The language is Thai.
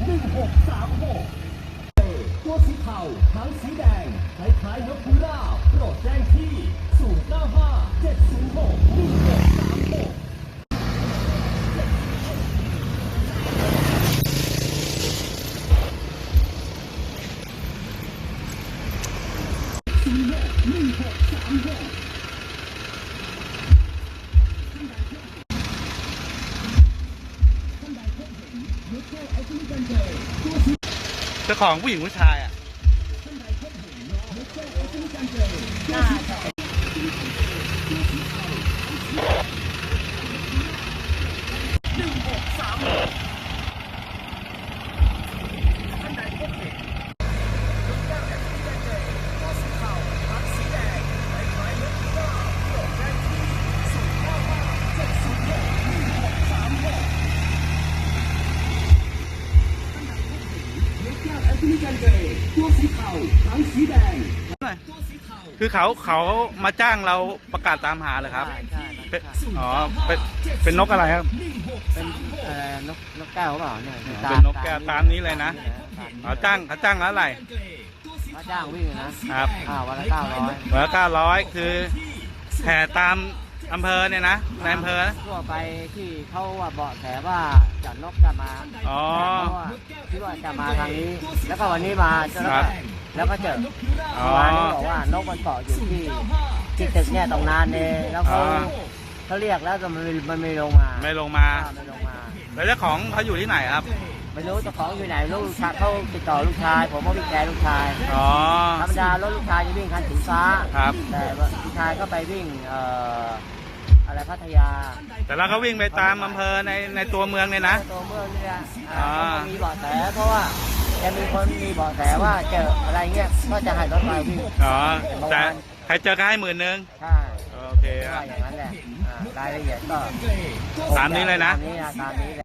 1636ตัวสีเทาหางสีแดงคล้ายๆนกพิราบโปรดแจ้งที่095 706 1636 เจ้าของผู้หญิงผู้ชายอ่ะตัวสีเทาหางสีแดงคือเขามาจ้างเราประกาศตามหาเลยครับใช่อ๋อเป็นนกอะไรครับเป็นนกแก้วเปล่าเนี่ยเป็นนกแก้วตามนี้เลยนะเขาจ้างแล้วอะไรมาจ้างวิ่งนะครับ วันละ900 วันละ900คือแผ่ตามอำเภอเนี่ยนะในอำเภอนะทั่วไปที่เขาว่าเบาะแสว่าจะนกจะมาอ๋อเพราะว่าคิดว่าจะมาทางนี้ แล้วก็วันนี้มาแล้วก็เจออ๋อวันนี้บอกว่านกมันเกาะอยู่ที่ตึกเนี่ยตรงนั้นเนี่ยแล้วเขาเรียกแล้วแต่มันไม่ลงมาไม่ลงมาไม่ลงมาแล้วเจ้าของเขาอยู่ที่ไหนครับไม่รู้เจ้าของอยู่ไหนลูกชายเขาติดต่อลูกชายผมก็วิ่งแกลูกชายอ๋อธรรมดารถลูกชายจะวิ่งคันสีฟ้าครับแต่ว่าลูกชายก็ไปวิ่งอะไรพัทยาแต่เราก็วิ่งไปตามอำเภอในตัวเมืองเนี่ยนะตัวเมืองนี่แหละอ่าก็มีเบาะแสเพราะว่าจะมีคนมีเบาะแสว่าเจออะไรเงี้ยก็จะให้รถมาวิ่งอ๋อแต่ใครเจอก็ให้10,000 ใช่โอเคคว่ารับอย่างนั้นแหละรายละเอียดก็ตามนี้เลยนะตามนี้แหละ